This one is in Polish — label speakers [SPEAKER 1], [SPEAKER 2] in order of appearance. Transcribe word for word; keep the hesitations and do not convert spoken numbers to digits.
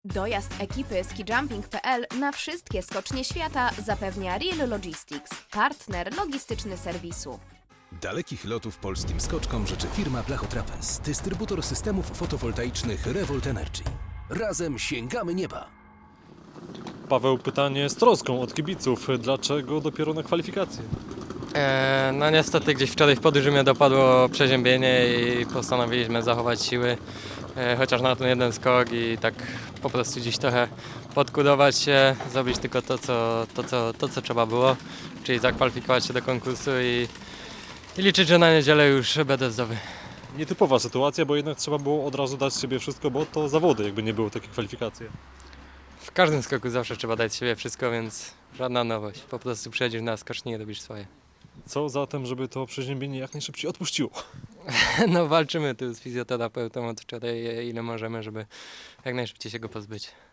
[SPEAKER 1] Dojazd ekipy skijumping kropka p l na wszystkie skocznie świata zapewnia Real Logistics, partner logistyczny serwisu.
[SPEAKER 2] Dalekich lotów polskim skoczkom życzy firma Blachotrapez, dystrybutor systemów fotowoltaicznych Revolt Energy. Razem sięgamy nieba!
[SPEAKER 3] Paweł, pytanie z troską od kibiców. Dlaczego dopiero na kwalifikacje?
[SPEAKER 4] E, no niestety gdzieś wczoraj w podróży mnie dopadło przeziębienie i postanowiliśmy zachować siły, e, chociaż na ten jeden skok i tak po prostu gdzieś trochę podkudować się, zrobić tylko to, co, to, co, to, co trzeba było, czyli zakwalifikować się do konkursu i, i liczyć, że na niedzielę już będę zdrowy.
[SPEAKER 3] Nietypowa sytuacja, bo jednak trzeba było od razu dać z siebie wszystko, bo to zawody, jakby nie były takie kwalifikacje.
[SPEAKER 4] W każdym skoku zawsze trzeba dać z siebie wszystko, więc żadna nowość. Po prostu przyjedziesz na skocznię i robisz swoje.
[SPEAKER 3] Co zatem, żeby to przeziębienie jak najszybciej odpuściło?
[SPEAKER 4] No walczymy tu z fizjoterapeutą od wczoraj ile możemy, żeby jak najszybciej się go pozbyć.